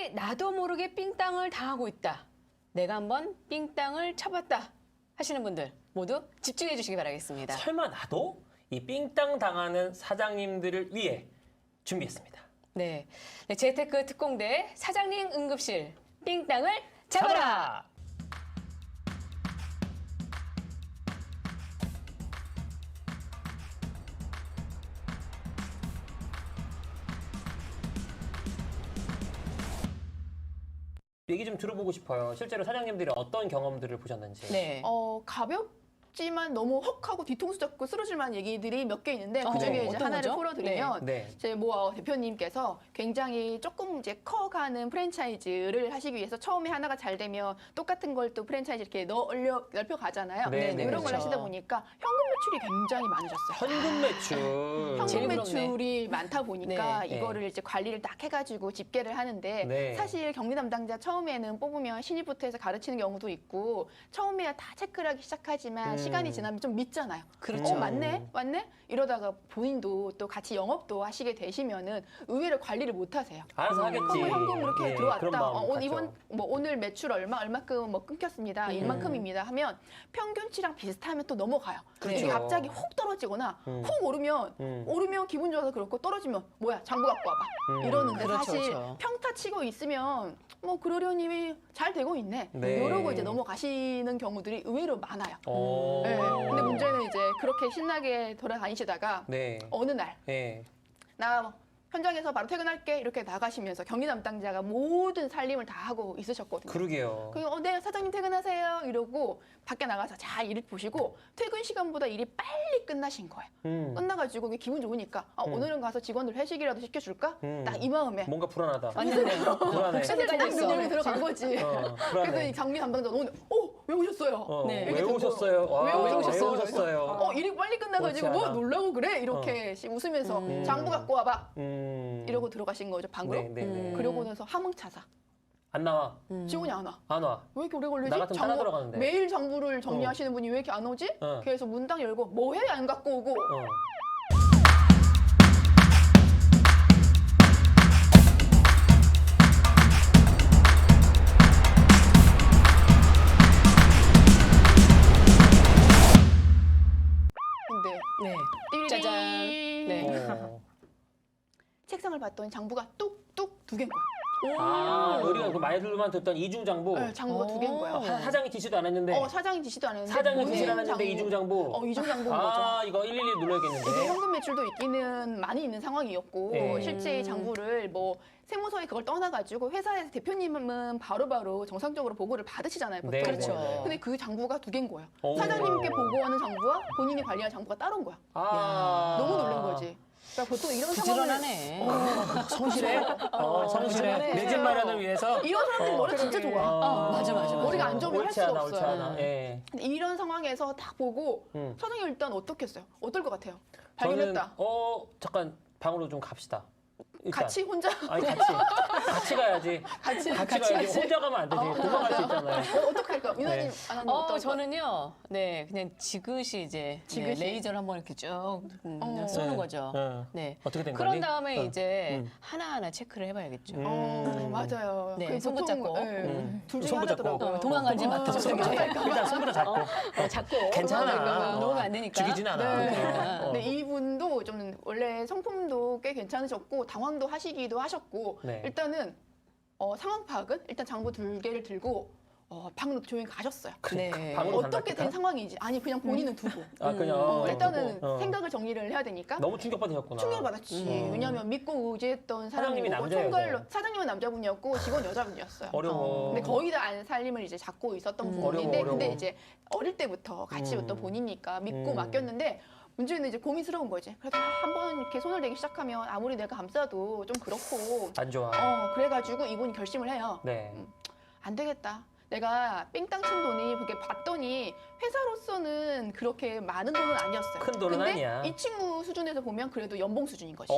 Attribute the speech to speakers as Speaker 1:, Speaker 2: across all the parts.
Speaker 1: 사장님이 나도 모르게 삥땅을 당하고 있다. 내가 한번 삥땅을 쳐봤다 하시는 분들 모두 집중해 주시기 바라겠습니다.
Speaker 2: 설마 나도 이 삥땅 당하는 사장님들을 위해 준비했습니다.
Speaker 1: 네, 재테크 특공대 사장님 응급실 삥땅을 잡아라.
Speaker 2: 얘기 좀 들어보고 싶어요. 실제로 사장님들이 어떤 경험들을 보셨는지.
Speaker 1: 네.
Speaker 3: 가볍지만 너무 헉하고 뒤통수 잡고 쓰러질 만한 얘기들이 몇 개 있는데 그중에
Speaker 2: 네.
Speaker 3: 이제
Speaker 1: 어떤
Speaker 3: 하나를
Speaker 1: 거죠?
Speaker 3: 풀어드리면
Speaker 2: 네.
Speaker 3: 제 대표님께서 굉장히 조금 이제 커가는 프랜차이즈를 하시기 위해서 처음에 하나가 잘 되면 똑같은 걸 또 프랜차이즈 이렇게 넓혀 가잖아요.
Speaker 2: 네, 네,
Speaker 3: 그런 걸
Speaker 1: 그렇죠.
Speaker 3: 하시다 보니까 현금 매출이 굉장히 많으셨어요.
Speaker 2: 현금 매출.
Speaker 1: 제일
Speaker 3: 현금
Speaker 1: 부럽네.
Speaker 3: 매출이 많다 보니까
Speaker 2: 네.
Speaker 3: 이거를 이제 관리를 딱 해가지고 집계를 하는데
Speaker 2: 네.
Speaker 3: 사실 경리 담당자 처음에는 뽑으면 신입부터 해서 가르치는 경우도 있고 처음에야 다 체크를 하기 시작하지만 시간이 지나면 좀 믿잖아요.
Speaker 1: 그렇죠.
Speaker 3: 맞네? 이러다가 본인도 또 같이 영업도 하시게 되시면은 의외로 관리를 못 하세요.
Speaker 2: 알아서 하겠지.
Speaker 3: 현금 이렇게
Speaker 2: 예,
Speaker 3: 들어왔다.
Speaker 2: 그런 마음 갖죠.
Speaker 3: 이번 오늘 매출 얼마큼 끊겼습니다. 이만큼입니다. 하면 평균치랑 비슷하면 또 넘어가요.
Speaker 1: 그렇죠.
Speaker 3: 이게 갑자기 훅 떨어지거나 훅 오르면 기분 좋아서 그렇고 떨어지면 뭐야 장부 갖고 와봐 이러는데
Speaker 1: 그렇죠,
Speaker 3: 사실
Speaker 1: 그렇죠.
Speaker 3: 평타 치고 있으면 뭐 그러려니 잘 되고 있네.
Speaker 2: 네.
Speaker 3: 이러고 이제 넘어가시는 경우들이 의외로 많아요.
Speaker 2: 오.
Speaker 3: 네. 근데 문제는 이제 그렇게 신나게 돌아다니시다가
Speaker 2: 네.
Speaker 3: 어느 날
Speaker 2: 네.
Speaker 3: 나 현장에서 바로 퇴근할게 이렇게 나가시면서 경리 담당자가 모든 살림을 다 하고 있으셨거든요.
Speaker 2: 그러게요.
Speaker 3: 네, 사장님 퇴근하세요 이러고 밖에 나가서 잘 일을 보시고 퇴근 시간보다 일이 빨리 끝나신 거예요. 끝나가지고 기분 좋으니까 오늘은 가서 직원들 회식이라도 시켜줄까? 딱 이 마음에
Speaker 2: 뭔가 불안하다.
Speaker 3: 완전
Speaker 2: 불안해.
Speaker 3: 슬슬
Speaker 1: 깔려 있어.
Speaker 3: 장면으로 들어간 거지. 그래서
Speaker 2: 불안해.
Speaker 3: 이 경리 담당자 오늘 왜 오셨어요?
Speaker 1: 네.
Speaker 2: 왜
Speaker 3: 이렇게 듣고,
Speaker 2: 오셨어요? 와,
Speaker 3: 왜 오셨어요?
Speaker 2: 왜 오셨어요?
Speaker 3: 일이 빨리 끝나가지고
Speaker 2: 옳지
Speaker 3: 뭐
Speaker 2: 않아.
Speaker 3: 놀라고 그래? 이렇게 웃으면서 장부 갖고 와봐. 이러고 들어가신 거죠 방으로.
Speaker 2: 네.
Speaker 3: 그러고 나서 함흥차사.
Speaker 2: 안 나와.
Speaker 3: 직원이 안 와.
Speaker 2: 안 와.
Speaker 3: 왜 이렇게 오래 걸리지?
Speaker 2: 나 같으면 따라 들어가는데.
Speaker 3: 매일 장부를 정리하시는 분이 왜 이렇게 안 오지? 그래서 문 딱 열고 뭐 해? 안 갖고 오고. 근데
Speaker 1: 네.
Speaker 3: 띠리링.
Speaker 1: 짜잔. 네.
Speaker 3: 책상을 봤더니 장부가 뚝뚝 두 개인 거야.
Speaker 2: 우리가 그 말들만 듣던 이중장부.
Speaker 3: 네, 장부가 두 개인 거예요.
Speaker 2: 사장이 지시도 안 했는데.
Speaker 3: 사장이 지시도 안 했는데.
Speaker 2: 사장은
Speaker 3: 본인
Speaker 2: 지시를 안 했는데
Speaker 3: 장부.
Speaker 2: 이중장부.
Speaker 3: 이중장부인 거죠.
Speaker 2: 이거 112 눌러야겠는데.
Speaker 3: 이게 현금 매출도 있기는 많이 있는 상황이었고
Speaker 2: 네.
Speaker 3: 실제 이 장부를 세무서에 그걸 떠나가지고 회사에서 대표님은 바로바로 정상적으로 보고를 받으시잖아요. 보통.
Speaker 2: 네,
Speaker 1: 그렇죠.
Speaker 2: 네.
Speaker 3: 근데 그 장부가 두 개인 거예요.
Speaker 2: 오.
Speaker 3: 사장님께 보고하는 장부와 본인이 관리하는 장부가 따로인 거야. 너무 놀란 거지. 그러니까 보통 이런 상황을
Speaker 1: 부지런하네.
Speaker 2: 성실해? 성실해. 내 집 마련을 위해서.
Speaker 3: 이런 사람들이 머리 진짜 좋아.
Speaker 1: 맞아.
Speaker 3: 머리가 안 좋으면 할
Speaker 2: 옳지
Speaker 3: 수가
Speaker 2: 않아, 옳지
Speaker 3: 없어요.
Speaker 2: 않아. 예.
Speaker 3: 근데 이런 상황에서 딱 보고 사장님 일단 어떻겠어요? 어떨 것 같아요? 발견했다.
Speaker 2: 저는 잠깐 방으로 좀 갑시다. 일단.
Speaker 3: 같이 혼자
Speaker 2: 아니 같이 가야지.
Speaker 3: 같이
Speaker 2: 가야지. 혼자 가면 안 되지. 도망갈 수 있잖아요.
Speaker 3: 어떻게 할까? 민아님
Speaker 2: 네.
Speaker 3: 안 하는 어떨
Speaker 1: 저는요, 그냥 지그시 이제
Speaker 3: 지그시?
Speaker 1: 레이저를 한번 이렇게 쭉 그냥 쏘는 거죠.
Speaker 2: 네. 어떻게 된
Speaker 1: 그런
Speaker 2: 거니?
Speaker 1: 다음에 이제 하나하나 체크를 해봐야겠죠.
Speaker 3: 맞아요.
Speaker 1: 네,
Speaker 3: 그
Speaker 1: 손 붙잡고.
Speaker 3: 둘 중에
Speaker 2: 손 붙잡고.
Speaker 3: 하나더라고요.
Speaker 1: 도망가지 마.
Speaker 2: 일단 손부터 잡고.
Speaker 1: 잡고.
Speaker 2: 괜찮아.
Speaker 1: 놓으면 안 되니까.
Speaker 2: 죽이진 않아.
Speaker 3: 네.
Speaker 2: 어.
Speaker 3: 근데 이분도 좀 원래 성품도 꽤 괜찮으셨고 당황도 하시기도 하셨고
Speaker 2: 네.
Speaker 3: 일단은 상황 파악은 일단 장부 두 개를 들고 방으로 조용히 가셨어요.
Speaker 1: 네.
Speaker 2: 방으로
Speaker 3: 어떻게
Speaker 2: 간다니까?
Speaker 3: 된 상황인지 본인은 두고
Speaker 2: 그냥
Speaker 3: 일단은
Speaker 2: 두고.
Speaker 3: 생각을 정리를 해야 되니까
Speaker 2: 너무 충격받으셨구나.
Speaker 3: 충격을 받았지. 왜냐하면 믿고 의지했던
Speaker 2: 사장님이
Speaker 3: 사람이고
Speaker 2: 남자예요,
Speaker 3: 총괄로
Speaker 2: 여자예요?
Speaker 3: 사장님은 남자분이었고 직원 여자분이었어요.
Speaker 2: 어려워.
Speaker 3: 근데 거의 다 안 살림을 이제 잡고 있었던 부분인데
Speaker 2: 어려워.
Speaker 3: 근데 이제 어릴 때부터 같이 있던 본이니까 믿고 맡겼는데 문제는 이제 고민스러운 거지. 그래도 한번 이렇게 손을 대기 시작하면 아무리 내가 감싸도 좀 그렇고
Speaker 2: 안 좋아.
Speaker 3: 그래가지고 이분이 결심을 해요.
Speaker 2: 네.
Speaker 3: 안 되겠다. 내가 뺑땅 친 돈이 그렇게 봤더니 회사로서는 그렇게 많은 돈은 아니었어요.
Speaker 2: 큰 돈은
Speaker 3: 근데
Speaker 2: 아니야.
Speaker 3: 이 친구 수준에서 보면 그래도 연봉 수준인 거지.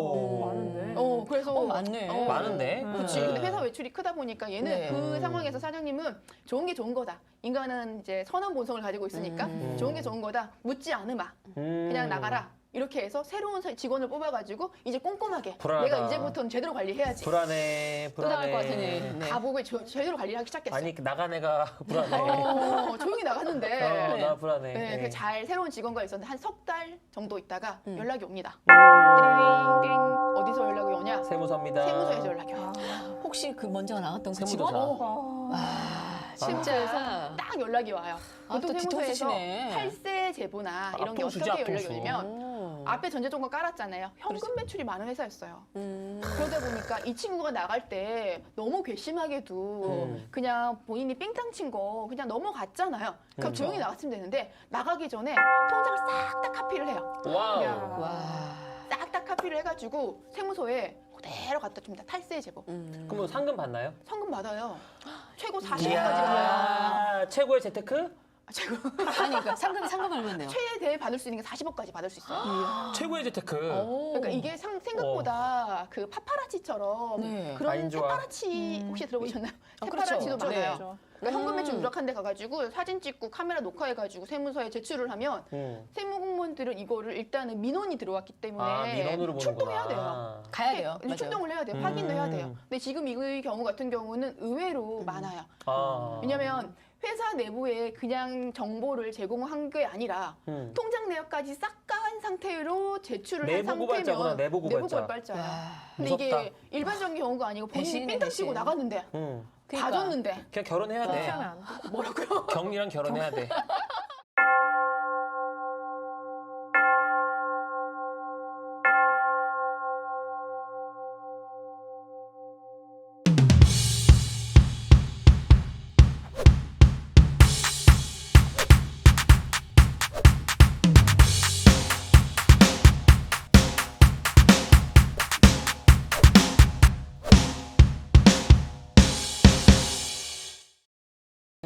Speaker 4: 많은데.
Speaker 3: 그래서
Speaker 1: 많네.
Speaker 2: 많은데?
Speaker 3: 그렇지. 근데 회사 외출이 크다 보니까 얘는
Speaker 1: 네.
Speaker 3: 그 상황에서 사장님은 좋은 게 좋은 거다. 인간은 이제 선한 본성을 가지고 있으니까 좋은 게 좋은 거다. 묻지 않으마. 그냥 나가라. 이렇게 해서 새로운 직원을 뽑아가지고 이제 꼼꼼하게
Speaker 2: 불안하다.
Speaker 3: 내가 이제부터는 제대로 관리해야지.
Speaker 2: 불안해.
Speaker 1: 또 나갈 것 같으니. 네.
Speaker 3: 가보고 제대로 관리를 하기 시작했어요.
Speaker 2: 아니 나간 애가 불안해.
Speaker 3: 조용히 나갔는데
Speaker 1: 네.
Speaker 2: 나 불안해.
Speaker 3: 네, 그 잘 새로운 직원과 있었는데 한 석 달 정도 있다가 연락이 옵니다.
Speaker 2: 음.
Speaker 3: 띠링 어디서 연락이 오냐?
Speaker 2: 세무서입니다.
Speaker 3: 세무서에서 연락이 와요.
Speaker 1: 혹시 그 먼저 나왔던 그
Speaker 2: 세무조사.
Speaker 1: 직원?
Speaker 3: 세무서에서 딱 연락이 와요.
Speaker 1: 아,
Speaker 3: 보통
Speaker 1: 또
Speaker 3: 세무서에서
Speaker 1: 뒤통수시네.
Speaker 3: 탈세 제보나 이런 게
Speaker 2: 앞통수지,
Speaker 3: 어떻게 연락이
Speaker 2: 앞통수.
Speaker 3: 오냐면 앞에 전제조건 깔았잖아요. 현금 매출이 많은 회사였어요. 그러다 보니까 이 친구가 나갈 때 너무 괘씸하게도 그냥 본인이 삥땅 친 거 그냥 넘어갔잖아요. 그럼 조용히 나갔으면 되는데 나가기 전에 통장을 싹 다 카피를 해요.
Speaker 2: 와우.
Speaker 1: 와.
Speaker 3: 싹 다 카피를 해가지고 세무서에 그대로 갖다 줍니다. 탈세 제보.
Speaker 2: 그럼 뭐 상금 받나요?
Speaker 3: 성금 받아요. 최고 40억까지 받아요.
Speaker 2: 이야, 최고의 재테크?
Speaker 3: 최고.
Speaker 1: 아니, 그러니까 상금 얼마인데요?
Speaker 3: 최대 받을 수 있는 게 40억까지 받을 수 있어요.
Speaker 2: 최고의 재테크.
Speaker 3: 그러니까 이게 생각보다 그 파파라치처럼
Speaker 1: 네.
Speaker 3: 그런
Speaker 2: 라인 좋아.
Speaker 3: 새파라치 혹시 들어보셨나요?
Speaker 1: 그렇죠.
Speaker 3: 새파라치도
Speaker 1: 네.
Speaker 3: 많아요. 그러니까 현금 매출 누락한 데 가가지고 사진 찍고 카메라 녹화해가지고 세무서에 제출을 하면 세무 공무원들은 이거를 일단은 민원이 들어왔기 때문에
Speaker 2: 아, 민원으로 보는구나.
Speaker 3: 출동해야 돼요.
Speaker 1: 가야 돼요.
Speaker 3: 네,
Speaker 1: 맞아요.
Speaker 3: 출동을 해야 돼요. 확인도 해야 돼요. 근데 지금 이 경우 같은 경우는 의외로 많아요.
Speaker 2: 아.
Speaker 3: 왜냐면 회사 내부에 그냥 정보를 제공한 게 아니라 통장 내역까지 싹 다 한 상태로 제출을 한
Speaker 2: 내부 고발자구나,
Speaker 3: 상태면
Speaker 2: 내부 고발자.
Speaker 3: 고발자야.
Speaker 1: 와.
Speaker 3: 근데
Speaker 2: 무섭다.
Speaker 3: 이게 일반적인 경우가 아니고 본인이
Speaker 1: 배신이네,
Speaker 3: 삥땅 치고
Speaker 1: 배신.
Speaker 3: 나갔는데
Speaker 2: 응.
Speaker 3: 다 줬는데
Speaker 2: 그냥 결혼해야 돼.
Speaker 3: 뭐라고요?
Speaker 2: 경리랑 결혼해야 돼.